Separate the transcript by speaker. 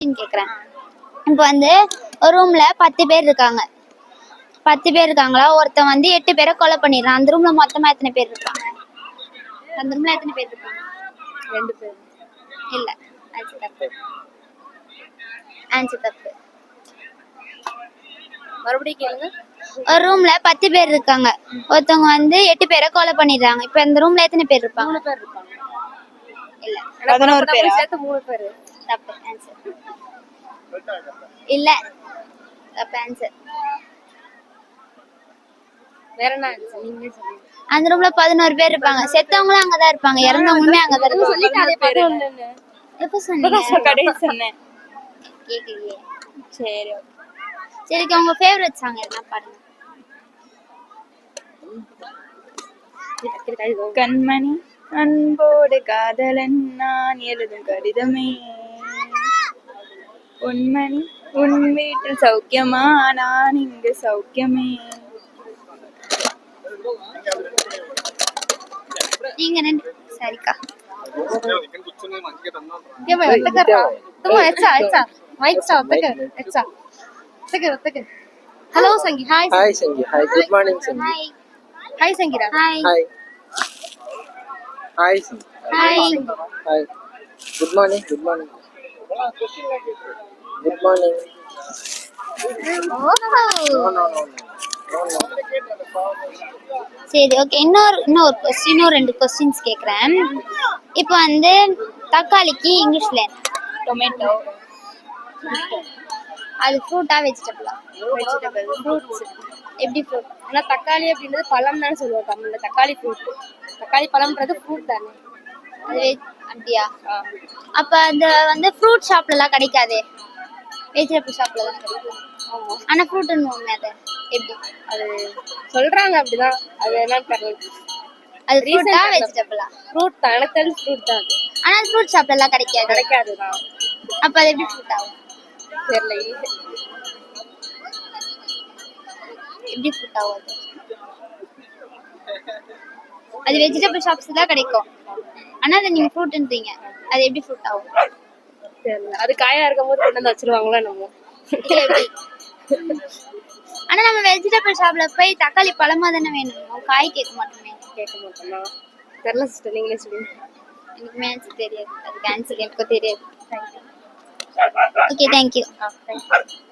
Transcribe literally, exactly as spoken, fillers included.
Speaker 1: கேக்குறேன். இப்போ வந்து ஒரு ரூம்ல பத்து பேர் இருக்காங்க. பத்து பேர் இருக்காங்களா? ஒருத்தன் வந்து எட்டு பேரை கொலை பண்ணிடுறான். அந்த ரூம்ல மொத்தமா எத்தனை பேர் இருக்காங்க? அந்த ரூம்ல எத்தனை பேர் இருக்காங்க?
Speaker 2: ரெண்டு பேர்.
Speaker 1: இல்ல, ஆன்சர் தப்பு. ஆன்சர் தப்பு.
Speaker 2: மறுபடியும் கேளுங்க.
Speaker 1: ஒரு ரூம்ல பத்து பேர் இருக்காங்க. ஒருத்தவங்க வந்து எட்டு பேரை கொலை பண்ணிடுறாங்க. இப்ப இந்த ரூம்ல எத்தனை பேர் இருப்பாங்க?
Speaker 2: மூணு பேர் இருப்பாங்க.
Speaker 1: இல்ல,
Speaker 2: பதினோரு பேர் சேர்த்து மூணு பேர்.
Speaker 1: தப்பு. ஆன்சர் இல்ல, தப்பு. ஆன்சர்
Speaker 2: வேற என்ன ஆன்சர் நீங்களே சொல்லுங்க.
Speaker 1: அந்த ரூம்ல பதினோரு பேர் இருப்பாங்க. செத்தவங்களும் அங்கதான் இருப்பாங்க, இறந்தவங்களுமே அங்கதான் இருப்பாங்க.
Speaker 2: சொல்லிட்டாலே பதினொன்னு.
Speaker 1: எப்ப சொன்னீங்க?
Speaker 2: கடைசி சொன்னேன்.
Speaker 1: கேக்கலையே.
Speaker 2: சரி
Speaker 1: சரி, உங்க ஃபேவரட் சாங் என்ன பாடுங்க.
Speaker 2: கண்மணி அன்போடு காதலன் நான் எழுதும் கடிதமே, உண்மணி உன் வீட்டில் சௌக்கியமா நான் இங்கு சௌக்கியமே.
Speaker 1: நீங்க ரெண்டு சரிக்கா.
Speaker 2: Hello Sangi. Hi
Speaker 3: hi Sangi. Hi, good morning Sangi.
Speaker 1: Hi.
Speaker 2: Hi சங்கீரா.
Speaker 1: Hi.
Speaker 3: Hi hi Sangi.
Speaker 1: Hi.
Speaker 3: Hi, good morning. Good morning. Good morning. No no no
Speaker 1: சரி, ஓகே. இன்னொரு இன்னொரு கொஸ்டின், இன்னும் ரெண்டு கொஸ்டின்ஸ் கேட்குறேன். இப்போ வந்து தக்காளிக்கு இங்கிலீஷ்ல
Speaker 2: டொமேட்டோ.
Speaker 1: அது ஃப்ரூட்டா வெஜிடபிளா?
Speaker 2: வெஜிடபிள். ஃப்ரூட்ஸ்.
Speaker 1: எப்படி ஃப்ரூட்?
Speaker 2: ஆனா தக்காளி அப்படின்றது பழம் தான் சொல்லுவோம் தமிழ்ல. தக்காளி ஃப்ரூட். தக்காளி பழம்ன்றது ஃப்ரூட் தானே.
Speaker 1: அது அப்படியா? அப்ப அந்த வந்து ஃப்ரூட் ஷாப்ல எல்லாம் கிடைக்காது, வெஜிடபிள் ஷாப்ல தான் கிடைக்கும்.
Speaker 2: ஆமா.
Speaker 1: ஆனா ஃப்ரூட்னு ஒண்ணு, அது எப்படி?
Speaker 2: அது சொல்றாங்க அப்படிதான். அது என்னன்னு தெரியல.
Speaker 1: அது ஃப்ரூட்டா வெஜிடபிளா?
Speaker 2: ஃப்ரூட் தான். எனக்கு தெரிஞ்சு ஃப்ரூட் தான்.
Speaker 1: ஆனா ஃப்ரூட் ஷாப்ல எல்லாம் கிடைக்காது.
Speaker 2: கிடைக்காதுதான்.
Speaker 1: அப்ப அது எப்படி ஃப்ரூட் ஆகும்?
Speaker 2: தெரியல.
Speaker 1: எப்படி ஃப்ரூட் ஆகும் அது? அது வெஜிடபிள் ஷாப்ஸ் தான் கிடைக்கும், ஆனா அதை நீங்க ஃப்ரூட்ன்றீங்க. அது எப்படி ஃப்ரூட் ஆகும்?
Speaker 2: தெரியல. அது காயா இருக்கும் போது கொண்டு வந்து வச்சிருவாங்களா நம்ம.
Speaker 1: ஆனா நம்ம வெஜிடபிள் ஷாப்ல போய் தக்காளி பழமா தானே வேணும், காய் கேட்க மாட்டோமே.
Speaker 2: கேட்க மாட்டோம்னா தெரியல சிஸ்டர், நீங்களே சொல்லுங்க.
Speaker 1: எனக்கு ஆன்சர் தெரியாது. அதுக்கு ஆன்சர் எனக்கு தெரியாது. Okay, thank you.
Speaker 2: தேங்க்யூ.